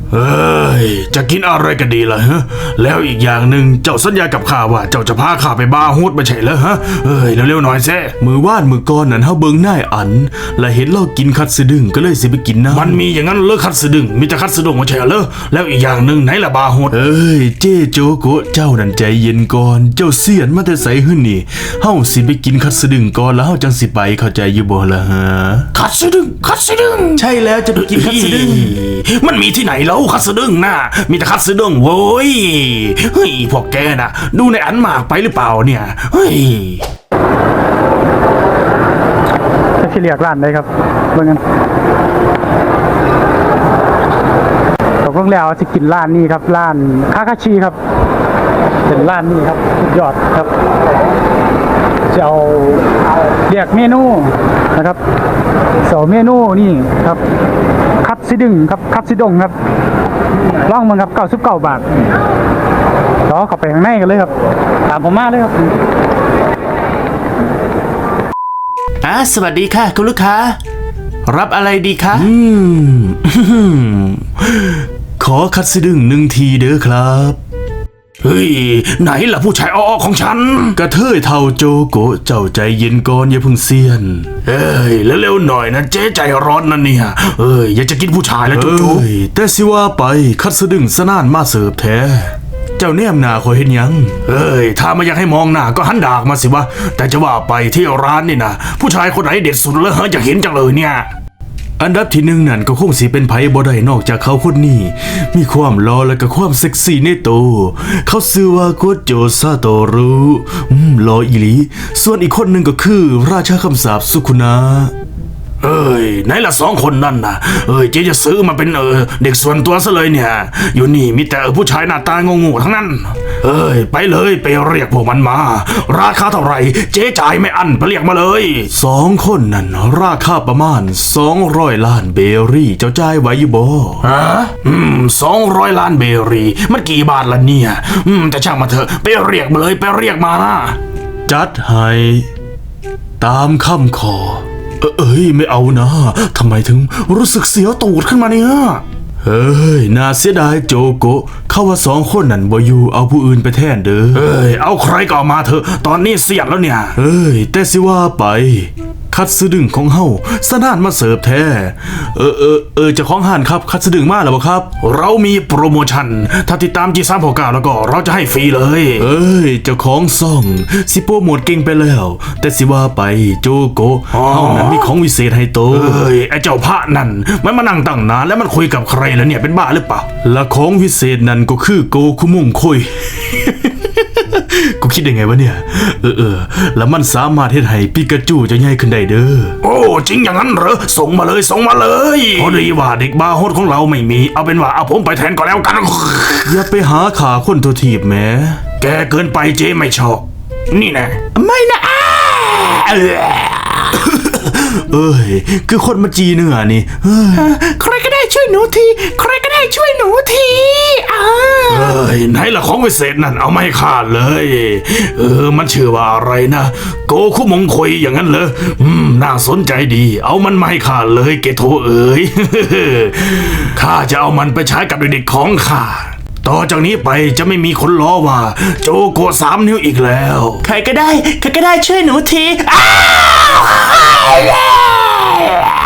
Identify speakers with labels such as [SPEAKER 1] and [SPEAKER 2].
[SPEAKER 1] เอ้ยจะกินอะไรกันดีล่ะฮะแล้วอีกอย่างหนึ่งเจ้าสัญญากับข้าว่าเจ้าจะพาข้าไปบาร์โฮสไม่ใช่เหรอฮะเอ้ยเร็วๆหน่อยแซ่มือว่านมือก้อนนั่นเฮาเบิ่งนายอันและเห็นเรากินคัตสึดึงก็เลยสิไปกินน้ำมันมีอย่างนั้นเลิกคัตสึดึงมีแต่คัตสึดงไม่ใช่เหรอแล้วอีกอย่างหนึ่งไหนล่ะบาร์โฮสเอ้ยเจโจโกะเจ้านั่นใจเย็นก่อนเจ้าเสียนมาแต่ไสหึ่นนี่เฮาสิไปกินคัตสึดึงก่อนแล้วเฮาจังสิไปเข้าใจอยู่บ่ล่ะฮะคัตสึดึงใช่แล้วจะไปกินคัตสึดึงมันมีที่ไหนแล้วคัตสึดึงน่ะมีแต่คัตสึดึงโว้ยเฮ้ยพวกแกน่ะดูในอันมากไปหรือเปล่าเนี่ยเฮ้ย
[SPEAKER 2] จะที่เรียกร้านได้ครับเบิ่งกันตกลงแล้วจะกินร้านนี้ครับร้านคาคาชิครับเป็นร้านนี้ครับสุดยอดครับจะเอาเรียกเมนูนะครับเมนูนี่ครับคัตสึดึงครับคัตสึดงครับล่องมันครับ99 บาทต่อเข้าไปข้างในกันเลยครับตามผมมาเลยครับ
[SPEAKER 1] สวัสดีค่ะคุณลูกค้ารับอะไรดีคะขอคัตสึดึง1 ทีเด้อครับเฮ้ยไหนล่ะผู้ชายอ้อของฉันกระเทยเท่าโจโกะเจ้าใจเย็นก่อนอย่าพึ่งเซียนเอ้ยแล้วเร็วหน่อยนะเจ๊ใจร้อนนั่นเนี่ยเอ้ยอยากจะกินผู้ชายแล้วโจโกะแต่สิว่าไปคัตสึดึงสนานมาเสิร์ฟแท้เจ้าแนมหน้าคอยเห็นยังเอ้ยถ้าไม่อยากให้มองหน้าก็หันดากมาสิวะแต่จะว่าไปที่ร้านนี่นะผู้ชายคนไหนเด็ดสุดเลยฮะอยากเห็นจังเลยเนี่ยอันดับที่1นั่นก็คงสิเป็นไผบ่ได้นอกจากเขาคนนี้มีความหล่อและก็ความเซ็กซี่ในตัวเขาชื่อว่าโกโจซาโตรุหล่ออีหลีส่วนอีกคนหนึ่งก็คือราชาคำสาปสุคุนะเอ้ยไหนละ2 คนนั่นนะเอ้ยเจ๊จะซื้อมาเป็นเด็กส่วนตัวซะเลยเนี่ยอยู่นี่มีแต่ผู้ชายหน้าตาโง่ๆทั้งนั้นเอ้ยไปเลยไปเรียกพวกมันมาราคาเท่าไหร่เจ๊จ่ายไม่อั้นไปเรียกมาเลย2 คนนั่นราคาประมาณ200 ล้านเบรี่เจ้าจ่ายไหวอยู่บ่ฮะ200 ล้านเบรี่มันกี่บาทล่ะเนี่ยแต่ช่างมาเถอะไปเรียกมาเลยไปเรียกมานะจัดให้ตามคำขอเอ้ยไม่เอานะทำไมถึงรู้สึกเสียวตูดขึ้นมาเนี่ยเฮ้ยน่าเสียดายโจโกะเขาว่า2 คนนั่นบ่อยู่เอาผู้อื่นไปแทนเด้อเอ้ยเอาใครก็มาเถอะตอนนี้เสียดแล้วเนี่ยเอ้ยแต่สิว่าไปคัตสึดึงของเฮาสนานมาเสิร์ฟแท้เจ้าของห้านครับคัตสึดึงมาแล้วบ่ครับเรามีโปรโมชั่นถ้าติดตามG369แล้วก็เราจะให้ฟรีเลยเอ้ยเจ้าของซ่องสิโปรโมทเก่งไปแล้วแต่สิว่าไปโจโกะเฮานั้นมีของวิเศษให้โตเอ้ยไอ้เจ้าพระนั่นมันมานั่งตั้งนานแล้วมันคุยกับใครแล้วเนี่ยเป็นบ้าหรือเปล่าและของวิเศษนั่นก็คือโกคุมงคุยกูคิดยังไงวะเนี่ยแล้วมันสามารถเฮ็ดให้ปิกาจูจะใหญ่ขึ้นได้เด้อโอ้จริงอย่างนั้นเหรอส่งมาเลยพอดีว่าเด็กบาร์โฮสของเราไม่มีเอาเป็นว่าเอาผมไปแทนก็แล้วกันอย่าไปหาขาคนตัวทีบแหมแกเกินไปเจ๊ไม่ชอบนี่แน่ไม่นะเอ้ยคือคนมาจีเนื้อนี่ใครก็ได้ช่วยหนูทีใครก็ได้ช่วยหนูทีเอ้ยไหนล่ะของวิเศษนั่นเอาไม่ขาดเลยมันชื่อว่าอะไรนะโกคุมงคอยอย่างนั้นเหรอน่าสนใจดีเอามันไม่ขาดเลยเกโทเอ๋ยข้าจะเอามันไปใช้กับเด็กๆของข้าต่อจากนี้ไปจะไม่มีคนล้อว่าโจโกะ3 นิ้วอีกแล้วใครก็ได้ช่วยหนูที